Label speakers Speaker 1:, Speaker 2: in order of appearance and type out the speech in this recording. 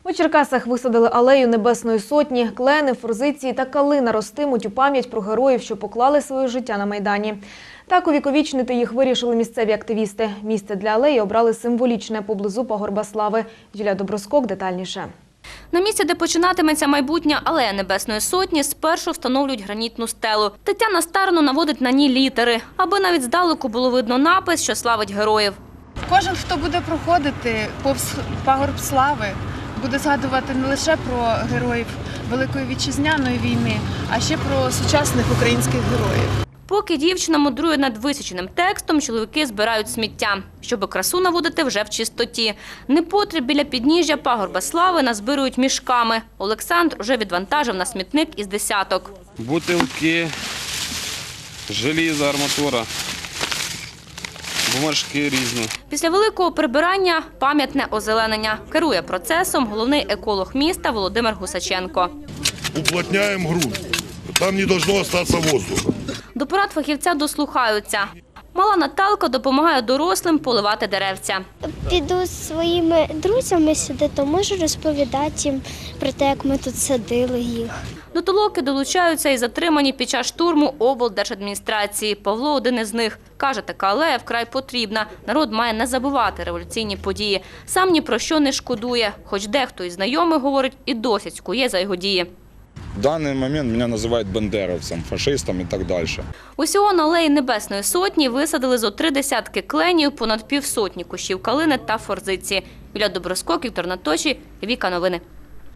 Speaker 1: У Черкасах висадили алею Небесної Сотні. Клени, форзиції та калина ростимуть у пам'ять про героїв, що поклали своє життя на Майдані. Так увіковічнити їх вирішили місцеві активісти. Місце для алеї обрали символічне поблизу Пагорба Слави. Юлія Доброскок детальніше.
Speaker 2: На місці, де починатиметься майбутня алея Небесної Сотні, спершу встановлюють гранітну стелу. Тетяна старанно наводить на ній літери, аби навіть здалеку було видно напис, що славить героїв.
Speaker 3: Кожен, хто буде проходити повз Пагорб Слави, буде згадувати не лише про героїв Великої Вітчизняної війни, а ще про сучасних українських героїв.
Speaker 2: Поки дівчина мудрує над висіченим текстом, чоловіки збирають сміття, щоб красу наводити вже в чистоті. Непотріб біля підніжжя Пагорба Слави назбирують мішками. Олександр вже відвантажив на смітник із десяток.
Speaker 4: Бутилки, желізо, арматура, бумажки різні.
Speaker 2: Після великого прибирання – пам'ятне озеленення. Керує процесом головний еколог міста Володимир Гусаченко.
Speaker 5: Уплотняємо ґрунт. Там не должно остатися воздуха.
Speaker 2: До порад фахівця дослухаються. Мала Наталка допомагає дорослим поливати деревця.
Speaker 6: Піду зі своїми друзями сюди, то можу розповідати їм про те, як ми тут садили їх.
Speaker 2: До толоки долучаються і затримані під час штурму облдержадміністрації. Павло – один із них. Каже, така алея вкрай потрібна. Народ має не забувати революційні події. Сам ні про що не шкодує. Хоч дехто із знайомих говорить і досить скує за його дії.
Speaker 7: В даний момент мене називають бандеровцем, фашистом і так далі.
Speaker 2: Усього на алеї Небесної Сотні висадили зо 3 десятки кленів, понад півсотні кущів калини та форзиці. Юлія Доброскок, Віктор Наточій, Віка Новини.